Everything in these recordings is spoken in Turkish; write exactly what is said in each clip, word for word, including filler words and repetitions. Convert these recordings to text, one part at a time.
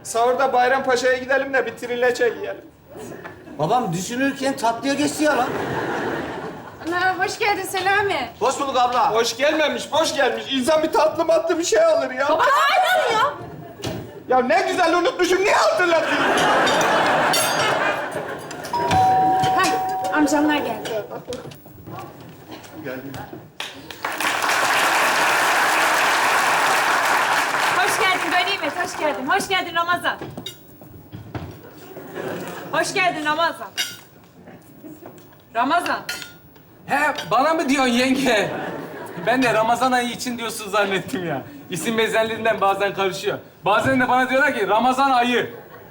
Sahurda Bayrampaşa'ya gidelim de bir trileçe yiyelim. Babam düşünürken tatlıya geçti ya lan. Ana, hoş geldin Selami. Hoş bulduk abla. Hoş gelmemiş, boş gelmiş. İnsan bir tatlı matlı bir şey alır ya. Baba aynen ya. Ya ne güzel unutmuşum, niye hatırladın? Heh, amcamlar geldi. Geldim. Hoş geldin Ganimet, hoş geldin. Hoş geldin Ramazan. Hoş geldin Ramazan. Ramazan. He, bana mı diyorsun yenge? Ben de Ramazan ayı için diyorsun zannettim ya. İsim benzerliğinden bazen karışıyor. Bazen de bana diyorlar ki Ramazan ayı.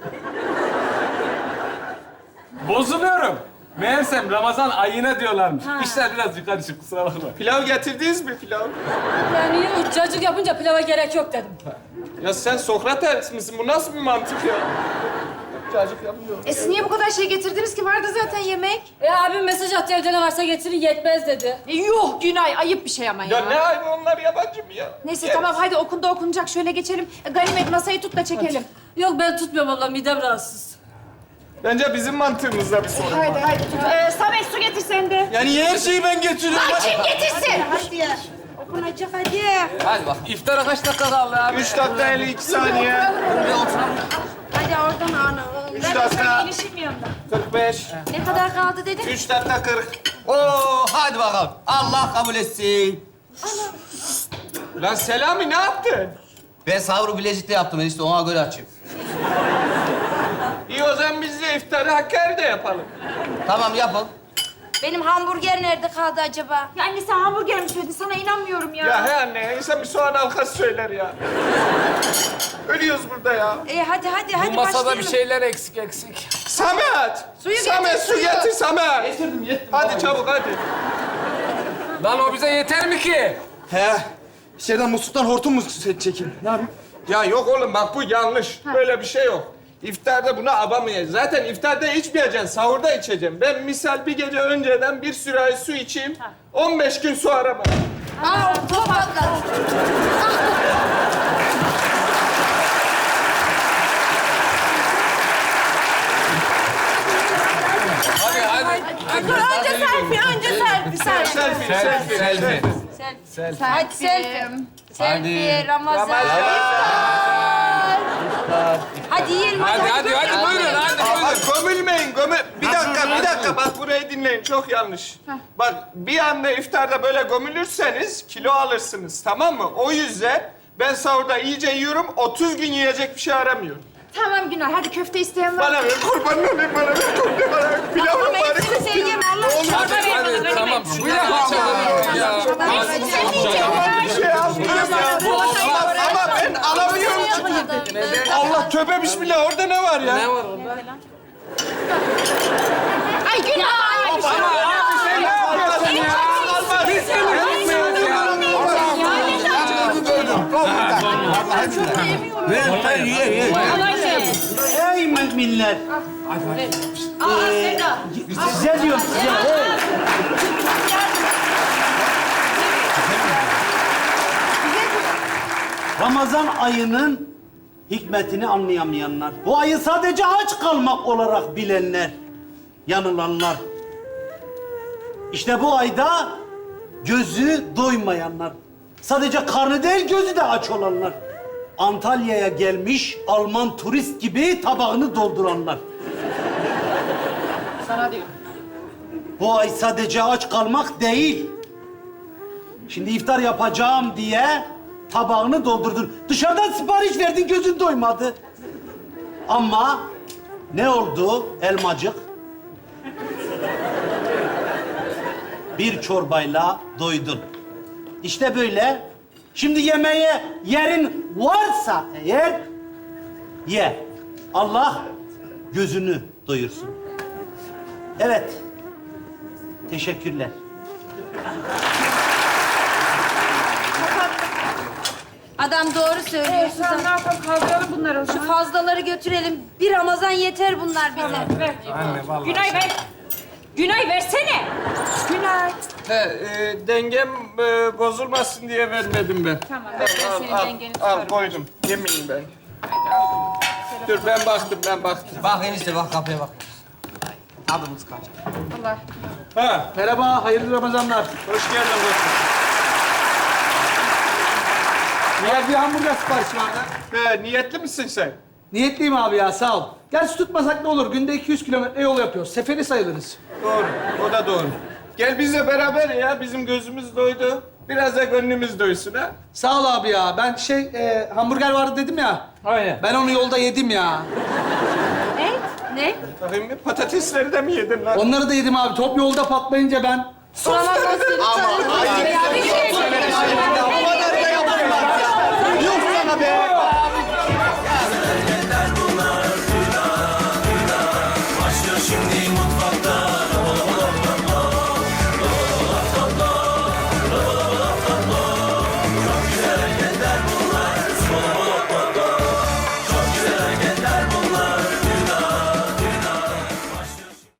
Bozuluyorum. Meğersem Ramazan ayına diyorlarmış. İşler biraz yukarı çık, kusura bakma. Pilav getirdiniz mi pilav? Yani cacık yapınca pilava gerek yok dedim. Ya sen Sokrates misin? Bu nasıl bir mantık ya? Cacık yapmıyor. E siz niye bu kadar şey getirdiniz ki? Vardı zaten yemek. E abim mesaj attı evde ne varsa getirin yetmez dedi. E, yuh Günay, ayıp bir şey ama ya. Ya ne ayıbı, onlar yabancı mı ya? Neyse Yes. tamam, hadi okunda okunacak. Şöyle geçelim. E, Ganimet masayı tut da çekelim. Yok ben tutmuyorum abla midem rahatsız. Bence bizim mantığımızda bir sorun var. Haydi haydi tut. Ee, Samet su getir sen de. Yani niye her şeyi ben getiriyorum? Lan kim getirsin? Hadi ya. Okunacak hadi. Hadi bak, iftara kaç dakika kaldı abi? Üç dakika elli iki saniye. Hadi oradan ana. Üç Ben dakika gelişim yanında. kırk beş. Ne kadar kaldı dedin? Üç dakika kırk. Oo, hadi bakalım. Allah kabul etsin. Lan Selami ne yaptın? Ben sahuru Bilecik'te yaptım işte ona göre açayım. İyi o zaman biz de iftarı Hakkari'de yapalım. Tamam yapın. Benim hamburger nerede kaldı acaba? Ya anne sen hamburger mi söyledin? Sana inanmıyorum ya. Ya he anne, insan bir soğan halkası söyler ya. Ölüyoruz burada ya. E hadi hadi Bu hadi masada başlayalım. bir şeyler eksik eksik. Samet! Suyu Samet, getir, su suyu. getir Samet. Getirdim yettim. Hadi çabuk hadi. Lan o bize yeter mi ki? He. İçeriden musluktan hortum mu çekeyim? Ne yapayım? Ya yok oğlum bak bu yanlış. Böyle bir şey yok. İftarda bunu abamayacağız. Zaten iftarda içmeyeceksin, sahurda içeceksin. Ben misal bir gece önceden bir sürahi su içeyim. on beş gün su aramam. Aa, top atladı. Hadi hadi. hadi. Önce selfie, önce selfie, selfie. Selfie, selfie, Selfie. selfie. Hadi selfie. Selfie, Ramazan. Ramazan. Hadi yiyelim, hadi. Hadi hadi hadi buyurun hadi Aa, buyurun. bak gömülmeyin, gömül... Bir dakika, bir dakika. Bak burayı dinleyin, çok yanlış. Bak bir anda iftarda böyle gömülürseniz kilo alırsınız, tamam mı? O yüzden ben sahurda iyice yiyorum, otuz gün yiyecek bir şey aramıyorum. Tamam Günay, hadi köfte isteyen var. Bana ver, kurban olayım bana ver, köfte bana ver. Pilavı Ama bari. hepsini sen yeme, Allah aşkına. Hadi hadi tamam. Bu ne hadi ya. Hepsini sen yiyeceksin. Bir şey yapmıyorum ya. Ama, ama ben alamıyorum ki. Allah tövbe bismillah, orada ne var ya? Ne var orada? Ay Günay! Ay, bir şey Ama yok. abi sen ne yapıyorsun ya? Biz seni yapmıyoruz ya. Ver, ver, ye, ye. Ey millet! Aa Seda. Size diyorum size. Hey. Ramazan ayının hikmetini anlayamayanlar, bu ayı sadece aç kalmak olarak bilenler, yanılanlar. İşte bu ayda gözü doymayanlar, sadece karnı değil gözü de aç olanlar. Antalya'ya gelmiş Alman turist gibi tabağını dolduranlar. Sana diyor. Bu ay sadece aç kalmak değil. Şimdi iftar yapacağım diye tabağını doldurdun. Dışarıdan sipariş verdin, gözün doymadı. Ama ne oldu elmacık? Bir çorbayla doydun. İşte böyle. Şimdi yemeğe yerin varsa eğer ye. Allah gözünü doyursun. Evet. Teşekkürler. Adam doğru söylüyor. Sen ne yapalım? Kaldıralım bunları o Şu zaman. fazlaları götürelim. Bir Ramazan yeter bunlar bize. Ver. Anne vallahi. Günay ver. Günay versene. Günay. He, e, dengem e, bozulmasın diye vermedim ben. Tamam. Al, Ben senin al, dengeni al, tutarım. koydum. Yemeyeyim ben. Hadi aldım. Dur ben baktım, ben baktım. Bak enişte bak kapıya bak. Adımız kaç? Allah. Ha, Merhaba, hayırlı Ramazanlar. hoş geldin dostum. Ya bir hamburger siparişi vardı. He, niyetli misin sen? Niyetliyim abi ya, sağ ol. Gerçi tutmasak ne olur? Günde iki yüz kilometre yol yapıyoruz. Seferi sayılırız. Doğru, o da doğru. Gel bizle beraber ya, bizim gözümüz doydu. Biraz da gönlümüz doysun ha. Sağ ol abi ya. Ben şey, e, hamburger vardı dedim ya. Aynen. Ben onu yolda yedim ya. Ne? Ne? Bakayım bir patatesleri de mi yedin lan? Onları da yedim abi. Top yolda patlayınca ben... Ama Yok sana be.